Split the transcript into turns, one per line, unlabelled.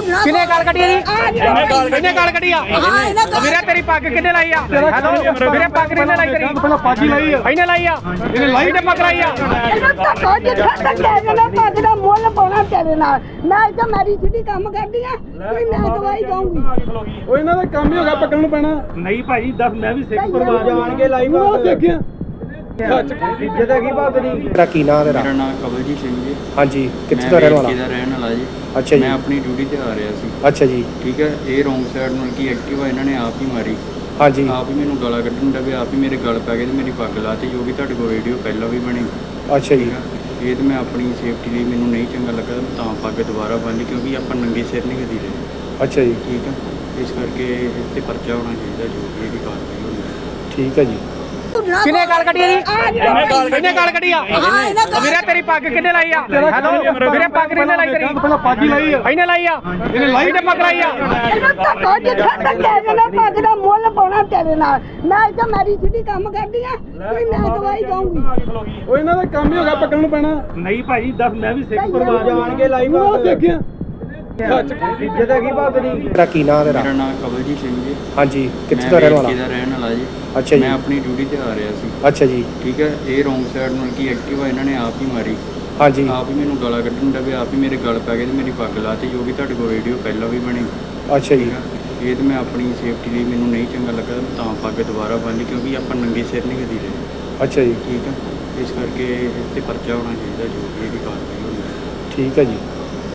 ਕਿੰਨੇ ਗਾਲ ਕੱਢੀ ਜੀ? ਕਿੰਨੇ ਗਾਲ ਕੱਢੀ ਆ? ਵੀਰੇ ਤੇਰੀ ਪੱਗ ਕਿੰਨੇ ਲਾਈ ਆ? ਹੈਲੋ ਵੀਰੇ ਪੱਗ ਕਿੰਨੇ ਲਾਈ ਤੇਰੀ?
ਪਹਿਲਾਂ ਪੱਗ ਹੀ ਲਾਈ ਆ
ਇਹਨੇ ਲਾਈ ਆ? ਇਹਨੇ ਲਾਈ ਤੇ ਪੱਗ ਲਾਈ ਆ?
ਪੱਗ ਦਾ ਮੁੱਲ ਪਾਉਣਾ ਤੇਰੇ ਨਾਲ। ਮੈਂ ਤਾਂ ਮੇਰੀ ਸਿੱਧੀ ਕੰਮ ਕਰਦੀ ਆ, ਮੈਂ ਦਵਾਈ ਦਊਂਗੀ।
ਉਹ ਇਹਨਾਂ ਦਾ ਕੰਮ ਹੀ ਹੋ ਗਿਆ ਪੱਕਣ ਨੂੰ ਪੈਣਾ।
ਨਹੀਂ ਭਾਜੀ ਦੱਸ ਮੈਂ ਵੀ ਸਿੱਖ ਪਰਿਵਾਰ
ਜਾਣ ਕੇ ਲਾਈ ਬਾਤ ਦੇਖਿਆ ਇੱਜ਼ਤ ਹੈਗੀ ਪੱਗ ਦੀ।
ਤੇਰਾ ਕੀ ਨਾਂ ਤੇਰਾ?
ਮੇਰਾ ਨਾਮ ਕਵਲਜੀਤ ਸਿੰਘ ਜੀ।
ਹਾਂਜੀ, ਕਿੱਥੇ ਦਾ ਰਹਿਣ ਵਾਲਾ?
ਮੈਂ ਰਹਿਣ ਵਾਲਾ ਜੀ।
ਅੱਛਾ ਜੀ।
ਮੈਂ ਆਪਣੀ ਡਿਊਟੀ ਤੇ ਆ ਰਿਹਾ ਸੀ।
ਅੱਛਾ ਜੀ।
ਠੀਕ ਹੈ, ਇਹ ਰੋਂਗ ਸਾਈਡ ਨਾਲ ਕੀ ਐਕਟਿਵਾ ਇਹਨਾਂ ਨੇ ਆਪ ਹੀ ਮਾਰੀ।
ਹਾਂਜੀ।
ਆਪ ਹੀ ਮੈਨੂੰ ਗਾਲਾਂ ਕੱਢਣ ਲੱਗੇ, ਆਪ ਹੀ ਮੇਰੇ ਗਲ ਪੈ ਗਏ ਤੇ ਮੇਰੀ ਪੱਗ ਲਾਤੀ, ਜੋ ਵੀ ਤੁਹਾਡੇ ਕੋਲ ਵੀਡੀਓ ਪਹਿਲਾਂ ਵੀ ਬਣੀ।
ਅੱਛਾ ਜੀ।
ਇਹ ਤੇ ਮੈਂ ਆਪਣੀ ਸੇਫਟੀ ਲਈ ਮੈਨੂੰ ਨਹੀਂ ਚੰਗਾ ਲੱਗਾ ਤਾਂ ਪੱਗ ਦੁਬਾਰਾ ਬੰਨ੍ਹੀ, ਕਿਉਂਕਿ ਆਪਾਂ ਨੰਗੇ ਸਿਰ ਨਹੀਂ ਕਦੀ ਰਹੇ।
ਅੱਛਾ ਜੀ।
ਠੀਕ ਹੈ, ਇਸ ਕਰਕੇ ਇਸ ਤੇ ਪਰਚਾ ਹੋਣਾ ਚਾਹੀਦਾ, ਜੋ ਵੀ ਇਹਦੀ ਕਾਰਵਾਈ ਹੋਣੀ।
ਠੀਕ ਹੈ ਜੀ।
ਕਿੰਨੇ ਗਾਲ ਕੱਢੀ ਜੀ? ਕਿੰਨੇ ਗਾਲ ਕੱਢੀ ਆ? ਵੀਰੇ ਤੇਰੀ ਪੱਗ ਕਿੰਨੇ ਲਾਈ ਆ? ਹੈਲੋ ਵੀਰੇ ਪੱਗ ਕਿੰਨੇ ਲਾਈ ਤੇਰੀ?
ਪਹਿਲਾਂ ਪੱਗ ਹੀ ਲਾਈ ਆ।
ਇਹਨੇ ਲਾਈ ਆ? ਇਹਨੇ ਲਾਈ ਤੇ ਪੱਗ ਲਾਈ ਆ?
ਪੱਗ ਦਾ ਮੁੱਲ ਪਾਉਣਾ ਤੇਰੇ ਨਾਲ। ਮੈਂ ਤਾਂ ਮੇਰੀ ਸਿੱਧੀ ਕੰਮ ਕਰਦੀ ਆ, ਮੈਂ ਦਵਾਈ ਦਊਂਗੀ।
ਉਹ ਇਹਨਾਂ ਦਾ ਕੰਮ ਹੀ ਹੋ ਗਿਆ ਪੱਕਣ ਨੂੰ ਪੈਣਾ।
ਨਹੀਂ ਭਾਜੀ ਦੱਸ ਮੈਂ ਵੀ ਸਿੱਖ ਪਰਿਵਾਰ
ਜਾਣ ਕੇ ਲਾਈ ਬਾਤ ਦੇਖਿਆ ਇੱਜ਼ਤ ਹੈਗੀ ਪੱਗ ਦੀ।
ਤੇਰਾ ਕੀ ਨਾਂ ਤੇਰਾ?
ਮੇਰਾ ਨਾਮ ਕਵਲਜੀਤ ਸਿੰਘ ਜੀ।
ਹਾਂਜੀ, ਕਿੱਥੇ
ਮੈਂ
ਦਾ ਰਹਿਣ ਵਾਲਾ?
ਦਾ ਰਹਿਣ ਵਾਲਾ ਜੀ।
ਅੱਛਾ ਜੀ।
ਮੈਂ ਆਪਣੀ ਡਿਊਟੀ ਤੇ ਆ ਰਿਹਾ ਸੀ।
ਅੱਛਾ ਜੀ।
ਠੀਕ ਹੈ, ਇਹ ਰੋਂਗ ਸਾਈਡ ਨਾਲ ਕੀ ਐਕਟਿਵਾ ਇਹਨਾਂ ਨੇ ਆਪ ਹੀ ਮਾਰੀ।
ਹਾਂਜੀ।
ਆਪ ਹੀ ਮੈਨੂੰ ਗਾਲਾਂ ਕੱਢਣ ਲੱਗੇ, ਆਪ ਹੀ ਮੇਰੇ ਗਲ ਪੈ ਗਏ ਤੇ ਮੇਰੀ ਪੱਗ ਲਾਤੀ, ਜੋ ਵੀ ਤੁਹਾਡੇ ਕੋਲ ਵੀਡੀਓ ਪਹਿਲਾਂ ਵੀ ਬਣੀ।
ਅੱਛਾ ਜੀ।
ਇਹ ਤੇ ਮੈਂ ਆਪਣੀ ਸੇਫਟੀ ਲਈ ਮੈਨੂੰ ਨਹੀਂ ਚੰਗਾ ਲੱਗਾ ਤਾਂ ਪੱਗ ਦੁਬਾਰਾ ਬੰਨ੍ਹੀ, ਕਿਉਂਕਿ ਆਪਾਂ ਨੰਗੇ ਸਿਰ ਨਹੀਂ ਕਦੀ ਰਹੇ।
ਅੱਛਾ ਜੀ।
ਠੀਕ ਹੈ, ਇਸ ਕਰਕੇ ਇਸ ਤੇ ਪਰਚਾ ਹੋਣਾ ਚਾਹੀਦਾ, ਜੋ ਵੀ ਇਹਦੀ ਕਾਰਵਾਈ ਹੋਣੀ।
ਠੀਕ ਹੈ ਜੀ।